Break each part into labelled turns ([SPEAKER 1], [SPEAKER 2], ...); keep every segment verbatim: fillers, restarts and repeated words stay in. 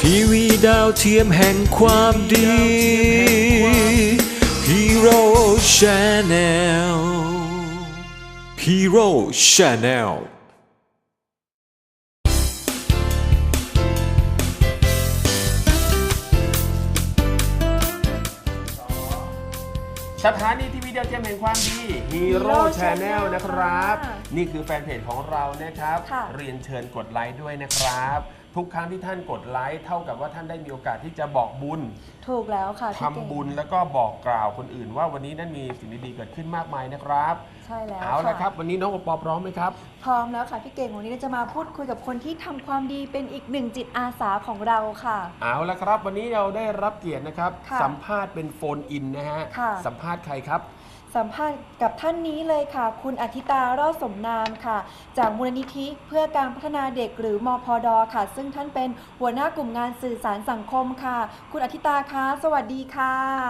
[SPEAKER 1] ทีวีดาวเทียมแห่งความดี Hero Channel Hero Channel
[SPEAKER 2] สถานีทีวีดาวเทียมแห่งความดี Hero Channel นะครับนี่คือแฟนเพจของเรานะครับเรียนเชิญกดไลค์ด้วยนะครับทุกครั้งที่ท่านกดไลค์เท่ากับว่าท่านได้มีโอกาสที่จะบอกบุญ
[SPEAKER 3] ถูกแล้วค่ะ
[SPEAKER 2] ทำบุญแล้วก็บอกกล่าวคนอื่นว่าวันนี้นั้นมีสิ่งดีๆเกิดขึ้นมากมายนะครับ
[SPEAKER 3] ใช่แล้ว
[SPEAKER 2] เอาละครับวันนี้น้องโอปอพร้อมไหมครับ
[SPEAKER 3] พร้อมแล้วค่ะพี่เก่งวันนี้เราจะมาพูดคุยกับคนที่ทำความดีเป็นอีกหนึ่งจิตอาสาของเราค่ะ
[SPEAKER 2] เอาละครับวันนี้เราได้รับเกียรตินะครับสัมภาษณ์เป็นโฟนอินนะฮะสัมภาษณ์ใครครับ
[SPEAKER 3] สัมภาษณ์กับท่านนี้เลยค่ะคุณอธิตารอดสมนามค่ะจากมูลนิธิเพื่อการพัฒนาเด็กหรือมพด.ค่ะซึ่งท่านเป็นหัวหน้ากลุ่มงานสื่อสารสังคมค่ะคุณอธิตาคะสวัสดีค่ะ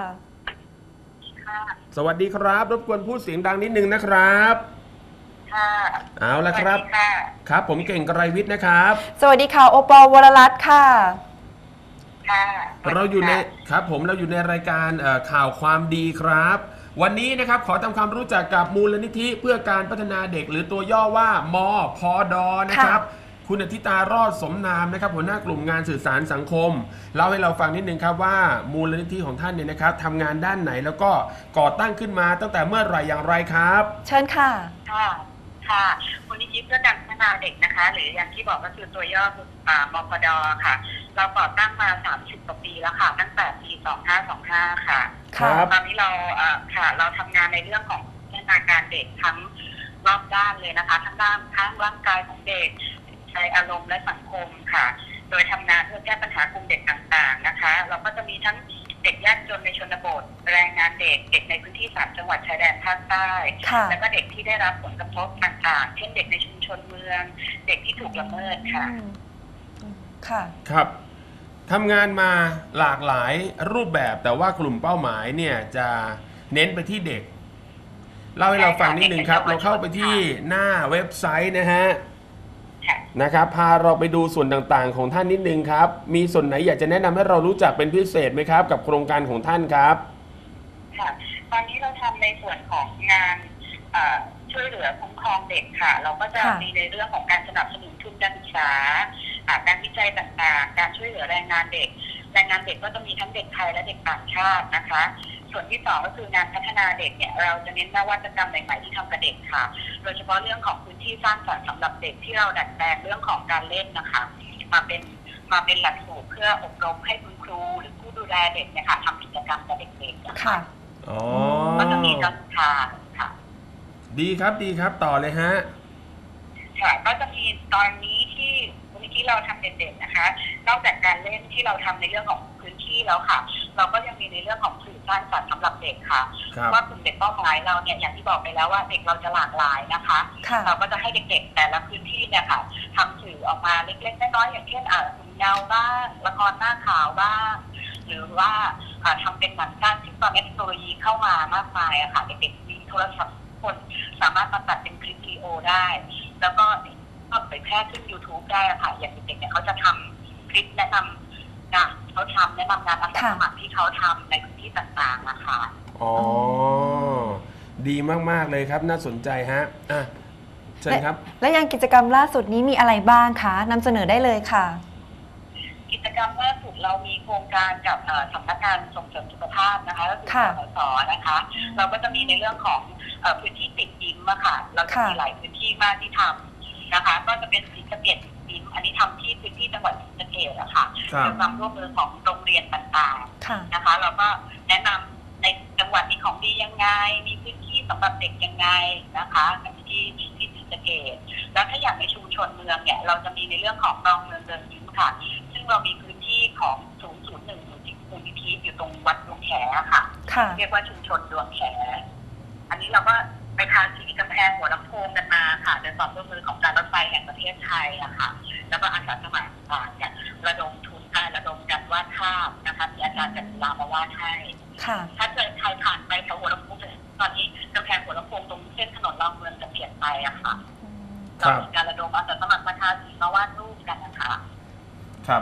[SPEAKER 2] สวัสดีครับรบกวนพูดเสียงดังนิดนึงนะครับ
[SPEAKER 4] ค่ะ
[SPEAKER 2] เอาละครับครับผมเก่งไกรวิทย์นะครับ
[SPEAKER 3] สวัสดีค่ะโอปอวรรัตน์ค่ะ
[SPEAKER 4] ค่ะ
[SPEAKER 2] เราอยู่ในครับผมเราอยู่ในรายการข่าวความดีครับวันนี้นะครับขอทำความรู้จักกับมูลนิธิเพื่อการพัฒนาเด็กหรือตัวย่อว่ามพด.นะครับคุณอธิตารอดสมนามนะครับหัวหน้ากลุ่มงานสื่อสารสังคมเล่าให้เราฟังนิดนึงครับว่ามูลนิธิของท่านเนี่ยนะครับทำงานด้านไหนแล้วก็ก่อตั้งขึ้นมาตั้งแต่เมื่อไหร่อย่างไรครับ
[SPEAKER 3] เชิญค่ะ
[SPEAKER 4] ค่ะค่ะมูลนิธิเพื่อการพัฒนาเด็กนะคะหรืออย่างที่บอกก็คือตัวย่อมพด.ค่ะเราก่อตั้งมาสามสิบกว่าปีแล้วค่ะตั้งแต่ปีสองพันห้าร้อยยี่สิบห้าค่ะตอนนี้เราค่ะเราทำงานในเรื่องของพัฒนาการเด็กทั้งรอบด้านเลยนะคะทั้งด้านทั้งร่างกายของเด็กใจอารมณ์และสังคมค่ะโดยทำงานเพื่อแก้ปัญหากลุ่มเด็กต่างๆนะคะเราก็จะมีทั้งเด็กยากจนในชนบทแรงงานเด็กเด็กในพื้นที่สามจังหวัดชายแดนภาคใต้แล้วก็เด็กที่ได้รับผลกระทบต่างๆเช่นเด็กในชุมชนเมืองเด็กที่ถูกละเมิดค่ะ
[SPEAKER 3] ค่ะ
[SPEAKER 2] ครับทำงานมาหลากหลายรูปแบบแต่ว่ากลุ่มเป้าหมายเนี่ยจะเน้นไปที่เด็กเล่าให้เราฟังนิดนึงครับเราเข้าไปที่หน้าเว็บไซต์นะฮะนะครับพาเราไปดูส่วนต่างๆของท่านนิดนึงครับมีส่วนไหนอยากจะแนะนำให้เรารู้จักเป็นพิเศษไหมครับกับโครงการของท่านครับ
[SPEAKER 4] ค่ะตอนนี้เราทำในส่วนของงานช่วยเหลือคุ้มครองเด็กค่ะเราก็จะมีในเรื่องของการสนับสนุนทุนการศึกษาการวิจัยต่างๆการช่วยเหลือแรงงานเด็กแรงงานเด็กก็จะมีทั้งเด็กไทยและเด็กต่างชาตินะคะส่วนที่สองก็คืองานพัฒนาเด็กเนี่ยเราจะเน้นนวัตกรรมใหม่ๆที่ทำกับเด็กค่ะโดยเฉพาะเรื่องของพื้นที่สร้างสรรค์สำหรับเด็กที่เราดัดแปลงเรื่องของการเล่นนะคะมาเป็นมาเป็นหลักสูตรเพื่ออบรมให้คุณครูหรือผู้ดูแลเด็กเนี่ยค่ะทำกิจกรรมกับเด็กๆนะคะก็จะมีการศึกษาค่ะ
[SPEAKER 2] ดีครับดีครับต่อเลยฮะ
[SPEAKER 4] ค่ะก็จะมีตอนนี้ที่ที่เราทำเด่นๆนะคะนอกจากการเล่นที่เราทำในเรื่องของพื้นที่แล้วค่ะเราก็ยังมีในเรื่องของสื่อสร้างสรรค์สำหรับเด็กค่ะว่ากลุ่มเด็กเป้าหมายเราเนี่ยอย่างที่บอกไปแล้วว่าเด็กเราจะหลากหลายนะคะเราก็จะให้เด็กๆแต่ละพื้นที่เนี่ยค่ะทำสื่อออกมาเล็กๆน้อยๆอย่างเช่นอ่าหุ่นเงาบ้างละครหน้าขาวบ้างหรือว่าทำเป็นหนังสั้นที่ตอนนี้เทคโนโลยีเข้ามามากมายอะค่ะเด็กๆมีโทรศัพท์คนสามารถมาตัดเป็นคลิปวิดีโอได้แล้วก็ก็เผยแพร่ขึ้น ยูทูบ ได้ค่ะอย่างเด็กๆเนี่ยเขาจะทำคลิปแนะนำงานเขาทำแนะนำงานอาสาสมัครที่เขาทำในพื้นที่ต่างๆนะคะ
[SPEAKER 2] อ๋อดีมากๆเลยครับน่าสนใจฮะอ่ะเชิญครับ
[SPEAKER 3] และยังกิจกรรมล่าสุดนี้มีอะไรบ้างคะนำเสนอได้เลยค่ะ
[SPEAKER 4] กิจกรรมล่าสุดเรามีโครงการกับสำนักงานส่งเสริมสุขภาพนะคะก็คือสสนะคะเราก็จะมีในเรื่องของพื้นที่ติดยิ้มอะค่ะเราจะมีหลายพื้นที่มากที่ทำนะคะก็จะเป็นสีสะเกดยิ้มอันนี้ทำที่พื้นที่จังหวัดศรีสะเกษอะค่ะด้วยความร่วมมือของโรงเรียนต่างๆนะคะเราก็แนะนำในจังหวัดมีของดียังไงมีพื้นที่สำหรับเด็กยังไงนะคะที่ที่ศรีสะเกษแล้วถ้าอย่างในชุมชนเมืองเนี่ยเราจะมีในเรื่องของรองเมืองเดินยิ้มค่ะซึ่งเรามีพื้นที่ของศูนย์ศูนย์หนึ่งมูลนิธิอยู่ตรงวัดดวงแขค่ะเรียกว่าชุมชนดวงแขอันนี้เราก็ไปทาสีกำแพงหัวลำโพงกันมาค่ะโดยความร่วมมือของการรถไฟแห่งประเทศไทยอะค่ะแล้วก็อาสาสมัครต่างๆเนี่ยระดมทุนการระดมการวาดภาพนะคะมีอาจารย์จันทรามาวาดให้ถ้าเกิดใครผ่านไปแถวหัวลำโพงตอนนี้กำแพงหัวลำโพงตรงเส้นถนนรอบเมืองจะเปลี่ยนไปอะค่ะเรามีการระดมอาสาสมัครมาทาสีมาวาดรูปกันนะคะ
[SPEAKER 2] ครับ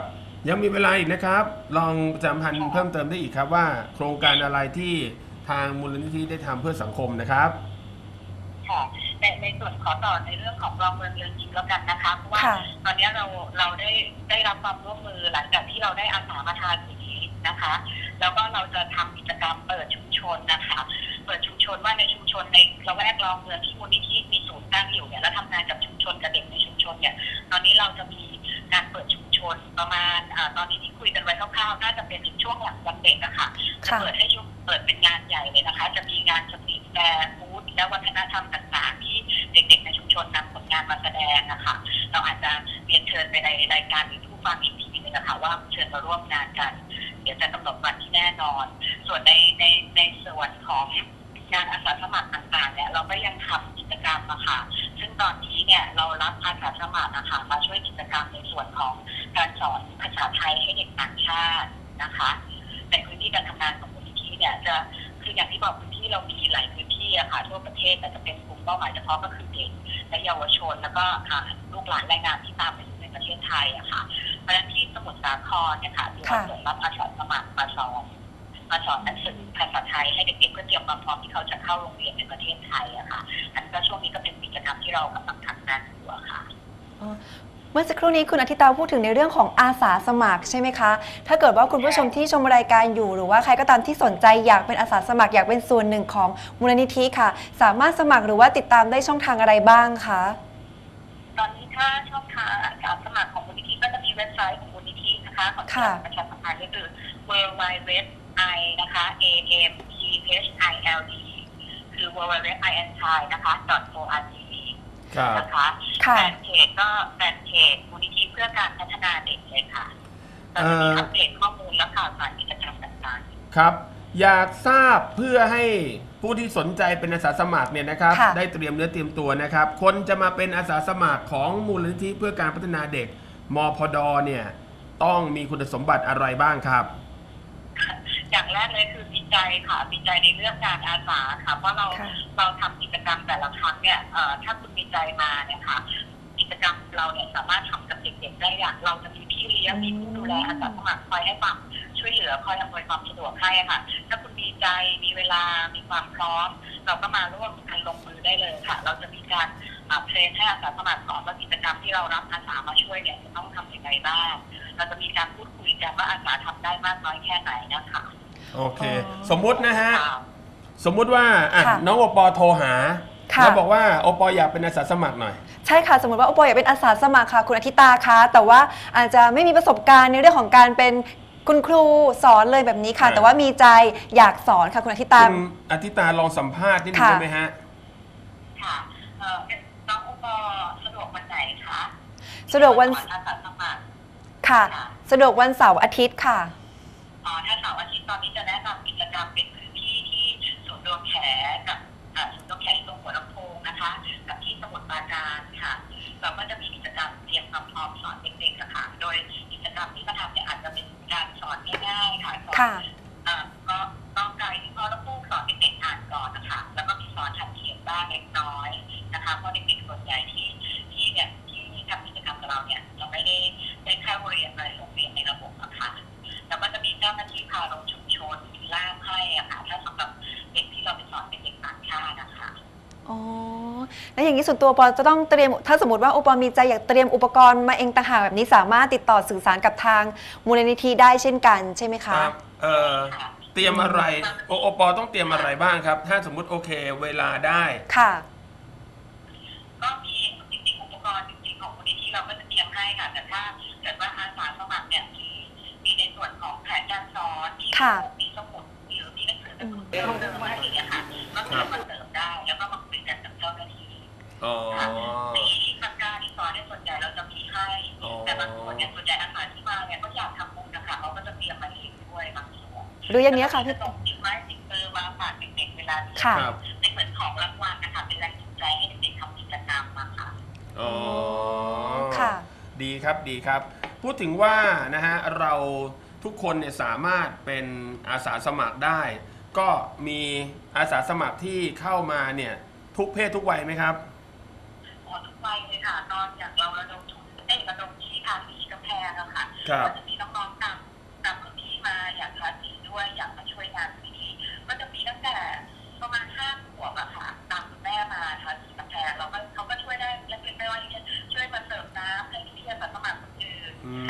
[SPEAKER 2] ยังมีเวลาอีกนะครับ ลองประจำพันธ์เพิ่มเติมได้อีกครับว่าโครงการอะไรที่ทางมูลนิธิได้ทำเพื่อสังคมนะครับ
[SPEAKER 4] ค่ะในในส่วนขอต่อในเรื่องของรองเมืองเรือนยิมแล้วกันนะคะเพราะว่าตอนนี้เราเราได้ได้รับความร่วมมือหลังจากที่เราได้อาสามาทาสีนะคะแล้วก็เราจะทำกิจกรรมเปิดชุมชนนะคะเปิดชุมชนว่าในชุมชนในละแวกรองเมืองที่มูลนิธิมีศูนย์ตั้งอยู่เนี่ยแล้วทำงานกับชุมชนกับเด็กในชุมชนเนี่ยตอนนี้เราจะมีการเปิดชุมชนประมาณอ่าตอนนี้ที่คุยกันไว้คร่าวๆน่าจะเป็นช่วงหลังวันเด็กอะค่ะจะเปิดให้ชุมเปิดเป็นงานใหญ่เลยนะคะจะมีงานสตรีทแฟร์ฟู้ดและวัฒนธรรมต่างๆที่เด็กๆในชุมชนนำผลงานมาแสดงนะคะเราอาจจะเรียนเชิญไปในรายการหรือผู้ฟังอีกทีนึงนะคะว่าเชิญมาร่วมงานกันเดี๋ยวจะกำหนดวันที่แน่นอนส่วนในในในส่วนของงานอาสาสมัครต่างๆเนี่ยเราก็ยังทำกิจกรรมอะค่ะซึ่งตอนนี้เนี่ยเรารับอาสาสมัครนะคะมาช่วยกิจกรรมในส่วนของการสอนภาษาไทยให้เด็กต่างชาตินะคะในพื้นที่การทำงานของมูลนิธิเนี่ยจะคืออย่างที่บอกพื้นที่เรามีหลายพื้นที่อะค่ะทั่วประเทศแต่จะเป็นกลุ่มเป้าหมายเฉพาะก็คือเด็กและเยาวชนแล้วก็ลูกหลานแรงงานที่ตามไปอยู่ในประเทศไทยอะค่ะเพราะฉะนั้นที่สมุทรสาครเนี่ยค่ะเราเปิดรับอาสาสมัครมาสอนมาสอนหนังสือภาษาไทยให้เด็กๆเพื่อเตรียมความพร้อมที่เขาจะเข้าโรงเรียนในประเทศไทยอะค่ะอันนี้ก็ช่วงนี้ก็เป็นกิจกรรมที่เรากำลังทำงานอยู่อะค่ะ
[SPEAKER 3] เมื่อสักครู่นี้คุณอาทิตาพูดถึงในเรื่องของอาสาสมัครใช่ไหมคะถ้าเกิดว่าคุณผู้ชมที่ชมรายการอยู่หรือว่าใครก็ตามที่สนใจอยากเป็นอาสาสมัครอยากเป็นส่วนหนึ่งของมูลนิธิค่ะสามารถสมัครหรือว่าติดตามได้ช่องทางอะไรบ้างคะ
[SPEAKER 4] ตอนนี้ถ้าช่องทางอาสาสมัครของมูลนิธิก็จะมีเว็บไซต์ของมูลนิธินะคะของการประชาสัมพันธ์ก็คือ ดับเบิลยู ดับเบิลยู ดับเบิลยู ดอท i นะคะ a m t h i l d คือ ดับเบิลยู ดับเบิลยู ดับเบิลยู ดอท i n t i นะคะ .org นะคะแฟนเพจก็แฟนเพจมูลนิธิเพื่อการพัฒนาเด็กเลยค่ะเราจะมีอัปเดตข้อมูลและข่าวสารกิจกรรมต่างๆ
[SPEAKER 2] ครับอยากทราบเพื่อให้ผู้ที่สนใจเป็นอาสาสมัครเนี่ยนะครับได้เตรียมเนื้อเตรียมตัวนะครับคนจะมาเป็นอาสาสมัครของมูลนิธิเพื่อการพัฒนาเด็กมพดเนี่ยต้องมีคุณสมบัติอะไรบ้างครับ
[SPEAKER 4] อย่างแรกเลยคือมีใจค่ะมีใจในเรื่องการอาสาค่ะเพราะเราเราทำกิจกรรมแต่ละครั้งเนี่ยถ้าคุณมีใจมาเนี่ยค่ะกิจกรรมเราเนี่ยสามารถทำกับเด็กๆได้อย่างเราจะมีพี่เลี้ยงมีผู้ดูแลอาสาสมัครคอยให้ความช่วยเหลือคอยอำนวยความสะดวกให้ค่ะถ้าคุณมีใจมีเวลามีความพร้อมเราก็มาร่วมกันลงมือได้เลยค่ะเราจะมีการเทรนให้อาสาสมัครสอนว่ากิจกรรมที่เรารับอาสามาช่วยเนี่ยจะต้องทำยังไงบ้างเราจะมีการพูดคุยกันว่าอาสาทำได้มากน้อยแค่ไหนนะคะ
[SPEAKER 2] โอเคสมมุตินะฮะสมมุติว่าน้องโอปอโทรหาแล้วบอกว่าโอปออยากเป็นอาสาสมัครหน่อย
[SPEAKER 3] ใช่ค่ะสมมติว่าโอปออยากเป็นอาสาสมัครค่ะคุณอาทิตาคะแต่ว่าอาจจะไม่มีประสบการณ์ในเรื่องของการเป็นคุณครูสอนเลยแบบนี้ค่ะแต่ว่ามีใจอยากสอนค่ะคุณอาทิตา
[SPEAKER 2] คุณอาทิตาลองสัมภาษณ์นิดนึงได้ไหมฮะ
[SPEAKER 4] ค่ะน้องโอปอสะดวกวันไหนคะ
[SPEAKER 3] สะดวกวัน
[SPEAKER 4] อาสาสมัคร
[SPEAKER 3] ค่ะสะดวกวันเสาร์อาทิตย์ค่ะ
[SPEAKER 4] อ๋อถ้าเสาร์อาทิตย์ตอนนี้จะแนะนำกิจกรรมเป็นพื้นที่ที่ศูนย์รวมแขกับศูนย์รวมแขตรงหัวลำโพงนะคะกับที่สมุทรปราการค่ะเราก็จะมีกิจกรรมเตรียมความพร้อมสอนเด็กๆค่ะโดยกิจกรรมที่มาทำเนี่ยอาจจะเป็นการสอนง่ายๆค่ะสอนก็ต้องไกด์ที่พ่อและผู้สอนเด็กๆอ่านก่อนนะคะแล้วก็มีสอนทัดเขียนบ้างเล็กน้อยนะคะเพราะเด็กๆส่วนใหญ่ที่ที่เนี่ยที่ทำกิจกรรมกับเราเนี่ยเราไม่ได้ได้เข้าเรียนในโรงเรียนในระบบนะคะแล้วก็จะมีเจ้าหน้าที่พาลงชุมชนมีล่ามให้อะค่ะถ้าสำหรับเด็กที่เราไปสอนเป็นเด็กต่างชาตินะคะ
[SPEAKER 3] อ๋อแล้วอย่างนี้ส่วนตัวปอจะต้องเตรียมถ้าสมมติว่าโอปอมีใจอยากเตรียมอุปกรณ์มาเองต่างหากแบบนี้สามารถติดต่อสื่อสารกับทางมูลนิธิได้เช่นกันใช่ไหมคะ
[SPEAKER 2] ครับเอ่อเตรียมอะไรโอโอปอต้องเตรียมอะไรบ้างครับถ้าสมมุติโอเคเวลาได้
[SPEAKER 3] ค่ะ
[SPEAKER 4] ก็มีจริงๆอุปกรณ์จริงๆของมูลนิธิเราก็จะเตรียมให้ค่ะแต่ถ้าเกิดว่าอาสาสมัครเนี่ยมีมีในส่วนของแผนการสอนมีมีสมุดหรือมีหนังสือการ์ตูนเพิ่มเติมอะไรอย่างเงี้ยค่ะก็สามารถเติมได้แล้วก็มาคุยกันกับเจ้าหน้าที่มีปากกาที่สอนในส่วนใหญ่เราจะมีให้แต่บางคนเนี่ยส่วนใหญ่อาสาที่มาเนี่ยก็อยากทำบุญนะคะเขาก็จะเตรียมมาเองด้วยบางส่วน
[SPEAKER 3] หรืออย่างนี้ค่ะพี่
[SPEAKER 4] ส่งติดไม้ติดเบอร์มาฝากเด็กๆเวลาที่ในเหมือนของรางวัลนะคะเป็นแรงจูงใจให้เด็กๆทำกิจกรรมมาค่ะ
[SPEAKER 2] อ๋อค่ะดีครับดีครับพูดถึงว่านะฮะเราทุกคนเนี่ยสามารถเป็นอาสาสมัครได้ก็มีอาสาสมัครที่เข้ามาเนี่ยทุกเพศทุกวัยไหมครับ
[SPEAKER 4] อ๋อทุกวัยเลยค่ะตอนอย่างเราระดมทุนเอ้ระดมที่ทางสีกำแพงอะค่ะก็จะมีน้อง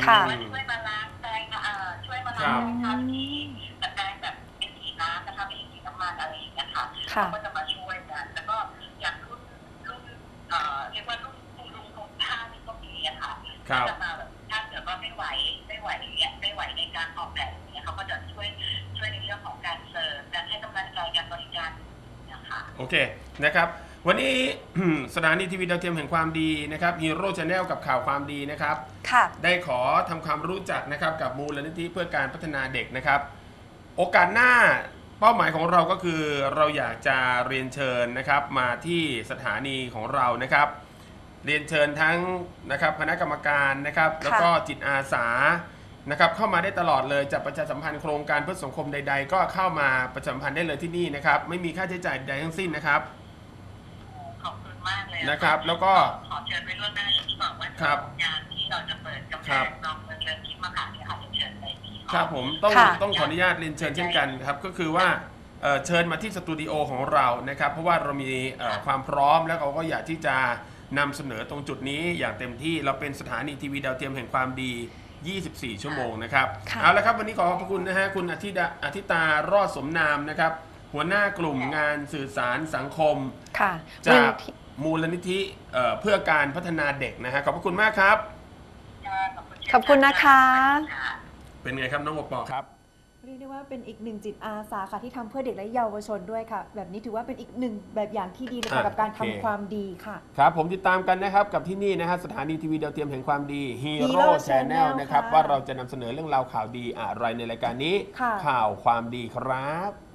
[SPEAKER 3] ค่ะ
[SPEAKER 4] ว่าช่วยมาล้างแปรงอ่าช่วยมาล้างทำที่แต่แปรงแบบเป็นสีน้ำนะคะไม่ใช่สีน้ำมันอะไรอย่างเงี้ยค่ะ
[SPEAKER 3] ค่ะ
[SPEAKER 4] เขาก็จะมาช่วยกันแล้วก็อย่างรุ่นรุ่นเอ่อเรียกว่ารุ่นคุณลุงคุณป้าที่ก็มีอะค่ะ
[SPEAKER 2] ครับ
[SPEAKER 4] ก็จะมาแบบถ้าเกิดว่าไม่ไหวไม่ไหวเนี่ยไม่ไหวในการออกแบบเนี่ยเขาก็จะช่วยช่วยในเรื่องของการเสิร์ฟการให้กำลังใจการบริการนะคะ
[SPEAKER 2] โอเคนะครับวันนี้ สถานีทีวีดาวเทียมแห่งความดีนะครับฮีโร่ชาแนลกับข่าวความดีนะครับ
[SPEAKER 3] ค่ะ
[SPEAKER 2] ได้ขอทำความรู้จักนะครับกับมูลนิธิเพื่อการพัฒนาเด็กนะครับ โอกาสหน้าเป้าหมายของเราก็คือเราอยากจะเรียนเชิญนะครับมาที่สถานีของเรานะครับ เรียนเชิญทั้งนะครับคณะกรรมการนะครับแล้วก็จิตอาสานะครับเข้ามาได้ตลอดเลยจะประชาสัมพันธ์โครงการเพื่อสังคมใดๆ ก็เข้ามาประชาสัมพันธ์ได้เลยที่นี่นะครับไม่มีค่าใช้จ่ายใดทั้งสิ้นนะครับ
[SPEAKER 4] ขอบคุณมากเลย
[SPEAKER 2] นะครับแล้วก็
[SPEAKER 4] ขอเชิญไปร่วมหน้าอย่างที่บอกว่า
[SPEAKER 2] ครับ
[SPEAKER 4] งานที่เราจะเปิดกำแพ
[SPEAKER 2] ครับ
[SPEAKER 4] งน้องเมืองเชิญทิพย์มาค่ะที่อาจจะเชิญในที่
[SPEAKER 2] ครับผมต้อง
[SPEAKER 3] ค่ะ
[SPEAKER 2] ต้องขออนุญาตเรียนเชิญเช่นกันครับก็คือว่าเอ่อเชิญมาที่สตูดิโอของเรานะครับเพราะว่าเรามีเอ่อความพร้อมแล้วเราก็อยากที่จะนำเสนอตรงจุดนี้อย่างเต็มที่เราเป็นสถานีทีวีดาวเทียมแห่งความดี ยี่สิบสี่ ชั่วโมงนะครับ
[SPEAKER 3] ค่ะ
[SPEAKER 2] เอาละครับวันนี้ขอขอบพระคุณนะฮะคุณอาทิตาอาทิตารอดสมนามนะครับหัวหน้ากลุ่มงานสื่อสารสังคม
[SPEAKER 3] ค่ะ
[SPEAKER 2] จากมูลนิธิเอ่อเพื่อการพัฒนาเด็กนะฮะขอบพระคุณมากครับ
[SPEAKER 3] ขอบคุณนะคะ
[SPEAKER 2] เป็นไงครับน้องปอปอครับ
[SPEAKER 3] เรียกได้ว่าเป็นอีกหนึ่งจิตอาสาค่ะที่ทำเพื่อเด็กและเยาวชนด้วยค่ะ แบบนี้ถือว่าเป็นอีกหนึ่งแบบอย่างที่ดีเลยค่ะ
[SPEAKER 2] อ่ะ
[SPEAKER 3] กับการ
[SPEAKER 2] โอ
[SPEAKER 3] ทำ
[SPEAKER 2] เค
[SPEAKER 3] ความดีค่ะ
[SPEAKER 2] ครับผมติดตามกันนะครับกับที่นี่นะฮะสถานีทีวีดาวเทียมแห่งความดี
[SPEAKER 3] Hero
[SPEAKER 2] Hero Channel
[SPEAKER 3] Channel
[SPEAKER 2] นะครับ
[SPEAKER 3] ค่ะ
[SPEAKER 2] ว่าเราจะนำเสนอเรื่องราวข่าวดีอะไรในรายการนี้
[SPEAKER 3] ค่ะ
[SPEAKER 2] ข่าวความดีครับ